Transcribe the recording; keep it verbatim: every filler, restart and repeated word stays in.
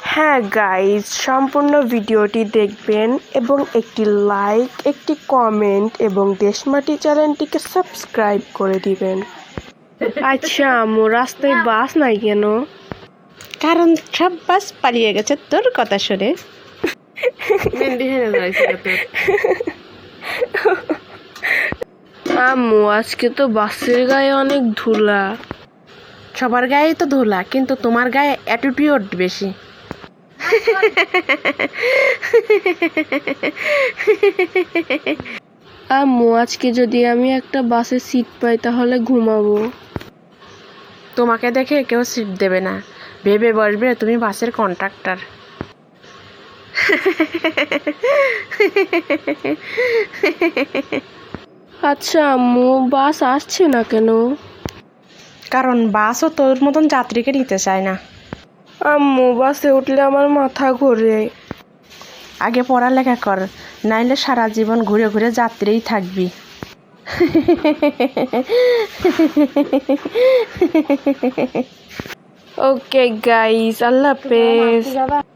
হ্যাঁ গাইজ, সম্পূর্ণ ভিডিওটি দেখবেন এবং একটি লাইক, একটি কমেন্ট এবং দেশমাটি চ্যানেলটিকে সাবস্ক্রাইব করে দিবেন। আচ্ছা আম্মু, রাস্তায় বাস নাই কেন? কারণ সব বাস পালিয়ে গেছে তোর কথা শুনে। আম্মু, আজকে তো বাসের গায়ে অনেক ধুলা। সবার গায়ে তো ধুলা, কিন্তু তোমার গায়ে অ্যাটিটিউড বেশি। আম্মু, আজকে যদি আমি একটা বাসে সিট পাই তাহলে ঘুমাবো। তোমাকে দেখে কেউ সিট দেবে না, ভেবে বসবে তুমি বাসের কন্ট্রাক্টর। আচ্ছা আম্মু, বাস আসছে না কেন? কারণ বাসও তোর মতন যাত্রীকে নিতে চায় না। আম্মু, বাসে উঠলে আমার মাথা ঘোরে। আগে পড়ালেখা কর, নাইলে সারা জীবন ঘুরে ঘুরে যাত্রীই থাকবি। ওকে গাইস, আল্লাহ হাফেজ।